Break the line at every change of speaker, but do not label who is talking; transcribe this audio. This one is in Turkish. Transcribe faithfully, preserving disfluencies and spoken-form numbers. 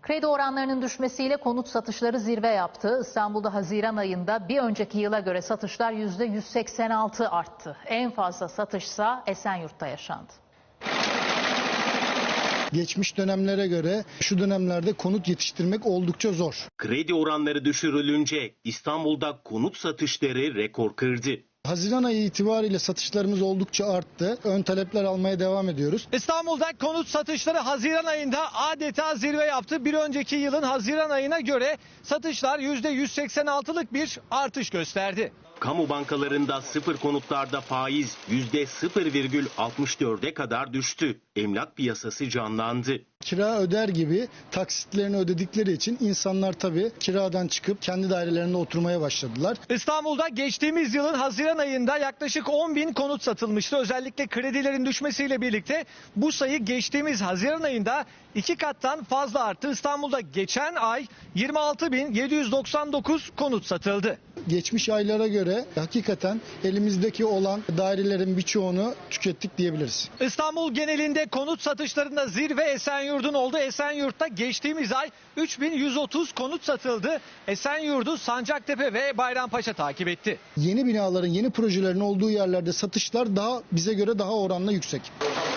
Kredi oranlarının düşmesiyle konut satışları zirve yaptı. İstanbul'da Haziran ayında bir önceki yıla göre satışlar yüzde yüz seksen altı arttı. En fazla satışsa Esenyurt'ta yaşandı.
Geçmiş dönemlere göre şu dönemlerde konut yetiştirmek oldukça zor.
Kredi oranları düşürülünce İstanbul'da konut satışları rekor kırdı.
Haziran ayı itibariyle satışlarımız oldukça arttı. Ön talepler almaya devam ediyoruz.
İstanbul'da konut satışları Haziran ayında adeta zirve yaptı. Bir önceki yılın Haziran ayına göre satışlar yüzde yüz seksen altılık bir artış gösterdi.
Kamu bankalarında sıfır konutlarda faiz yüzde sıfır virgül altmış dörde kadar düştü. Emlak piyasası canlandı.
Kira öder gibi taksitlerini ödedikleri için insanlar tabii kiradan çıkıp kendi dairelerinde oturmaya başladılar.
İstanbul'da geçtiğimiz yılın Haziran ayında yaklaşık on bin konut satılmıştı. Özellikle kredilerin düşmesiyle birlikte bu sayı geçtiğimiz Haziran ayında iki kattan fazla arttı. İstanbul'da geçen ay yirmi altı bin yedi yüz doksan dokuz konut satıldı.
Geçmiş aylara göre hakikaten elimizdeki olan dairelerin birçoğunu tükettik diyebiliriz.
İstanbul genelinde konut satışlarında zirve Esenyurt'un oldu. Esenyurt'ta geçtiğimiz ay üç bin yüz otuz konut satıldı. Esenyurt'u Sancaktepe ve Bayrampaşa takip etti.
Yeni binaların, yeni projelerin olduğu yerlerde satışlar daha bize göre daha oranla yüksek.